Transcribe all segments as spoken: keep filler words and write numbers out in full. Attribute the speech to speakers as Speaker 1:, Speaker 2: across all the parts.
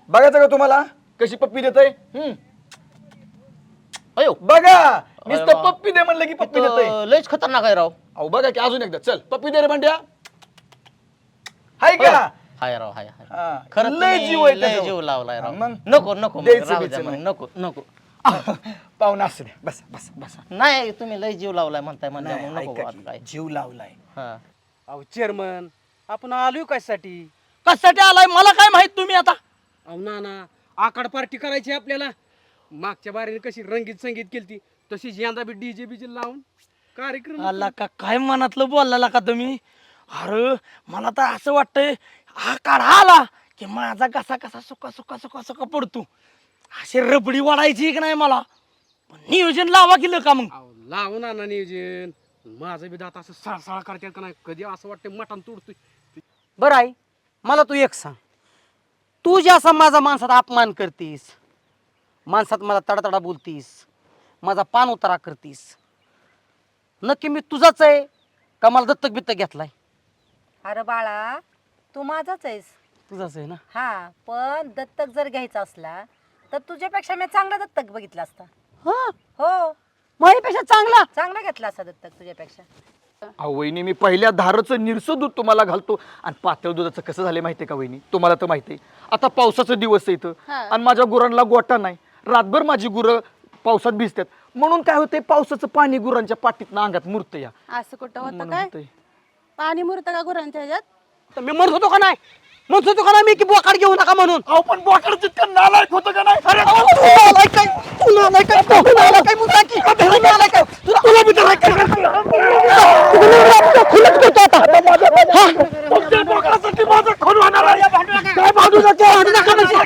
Speaker 1: बघायचं का तुम्हाला कशी पप्पी देतय? हम्म
Speaker 2: अयो
Speaker 1: बघा नुसतं पप्पी दे म्हणलं की पप्पी देतय.
Speaker 2: लयच खतरनाक आहे राव.
Speaker 1: अहो बघा की अजून एकदा चल पप्पी दे रे भांड्या. हाय का?
Speaker 2: हाय राव हाय हाय.
Speaker 1: हा.
Speaker 2: खरं
Speaker 1: लय
Speaker 2: तुम्ही
Speaker 1: जीव आहे
Speaker 2: लय
Speaker 1: त्याच्यावर.
Speaker 2: जीव लावलाय राव.
Speaker 1: मग?
Speaker 2: नको नको मग,
Speaker 1: द्यायचं
Speaker 2: राहू
Speaker 1: बियचं
Speaker 2: द्या मग,
Speaker 1: नाही.
Speaker 2: नको नको.
Speaker 1: पाहुणा असू दे बस बस बस.
Speaker 2: नाही तुम्ही लय जीव लावलाय म्हणताय म्हणल्या
Speaker 1: नाही,
Speaker 2: मग नको
Speaker 1: ऐका
Speaker 2: आता
Speaker 1: की,
Speaker 2: काय.
Speaker 1: जीव लावलाय.
Speaker 2: हा.
Speaker 3: अहो चेअरमन आपण आलोय कशासाठी?
Speaker 4: कशासाठी आलाय मला काय माहित तुम्ही आता?
Speaker 3: अहो ना ना आकाड पार्टी करायची आपल्याला. मागच्या बारीने कशी रंगीत संगीत केलती तशीच यंदा बी डीजे बीजे लावून कार्यक्रम.
Speaker 4: आला का काय मनातलं बोलला का तुम्ही? अरे मला तर असं वाटतंय हा काढा आला की माझा कसा कसा सुका सुका सुका सुका पडतो. अशी रबडी वाढायची की नाही मला. पण नियोजन लावा केलं का मग?
Speaker 3: अहो लावू ना ना नियोजन. माझं बी दात असं सळसळ करतात का नाही कधी असं वाटतं मटण तोडतोय.
Speaker 5: बरं आई मला तू एक सांग, तू जे असा माझा माणसात अपमान करतीस, माणसात मला तडातडा बोलतीस, माझा पान उतारा करतीस, नक्की मी तुझाच आहे का मला दत्तक बित्तक घेतलाय?
Speaker 6: अरे बाळा तू माझाच आहेस.
Speaker 5: तुझाच आहे ना.
Speaker 6: हा पण दत्तक जर घ्यायचा असला तर तुझ्यापेक्षा मी चांगला दत्तक बघितला असता.
Speaker 5: हा
Speaker 6: हो
Speaker 5: माझ्यापेक्षा चांगला.
Speaker 6: चांगला घेतला असता दत्तक तुझ्यापेक्षा.
Speaker 1: अहो वहिनी मी पहिल्या धारचं निरसं दूध तुम्हाला घालतो आणि पातळ दुधाचं कसं झालं माहितीये का वहिनी? तुम्हाला तर माहितीये आता पावसाचा दिवस आहे इथं आणि माझ्या गुरांना गोटा नाही. रातभर माझी गुरं पावसात भिजतात म्हणून काय होतंय पावसाचं पाणी गुरांच्या पाठीतनं अंगात मुरतं या.
Speaker 7: असं कुठं होतं
Speaker 1: म्हणून
Speaker 7: काय?
Speaker 1: होतंय.
Speaker 7: पाणी मुरतं का गुरांच्या ह्याच्यात?
Speaker 5: तर मी म्हणत होतो का नाही, म्हणत होतो का नाही मी की बोकाड घेऊ नका म्हणून.
Speaker 1: अहो पण बोकड जितकं नालायक होतं का नाही? अरे
Speaker 5: अहो, तू नालायक काय? तू नालायक काय? तू नालायक काय म्हणता की? तू नालायक काय? तुला तुला बी नालायक काय? तुला खुलत करतो आता. हा?
Speaker 1: तुमच्या बोकडासाठी माझं खून होणार आहे.
Speaker 5: काय भांडू नका, भांडू नका म्हणजे.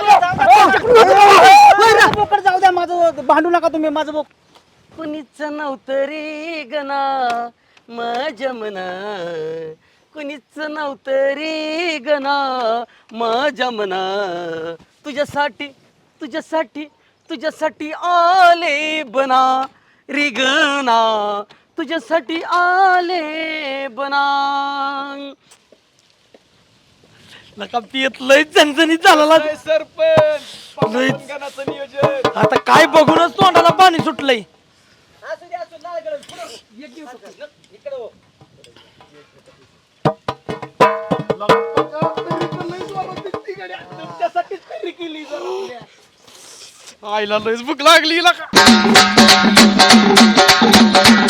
Speaker 4: बोकड जाऊ द्या माझं, भांडू नका तुम्ही माझं बोक.
Speaker 5: कुणीच नव्हतं रे गना मजमना, कुणीच नव्हतं रे गना मजमना, तुझ्यासाठी तुझ्यासाठी तुझ्यासाठी आले बना रे गना, तुझ्यासाठी आले बना.
Speaker 4: नका पियत लय झणझणीत झाला.
Speaker 1: जय सरपंच पावसाचं नियोजन.
Speaker 4: आता काय बघूनच तोंडाला पाणी सुटलंय.
Speaker 1: तुमच्यासाठीच तयारी केली जरा.
Speaker 4: आईला लयच भूक लागली का?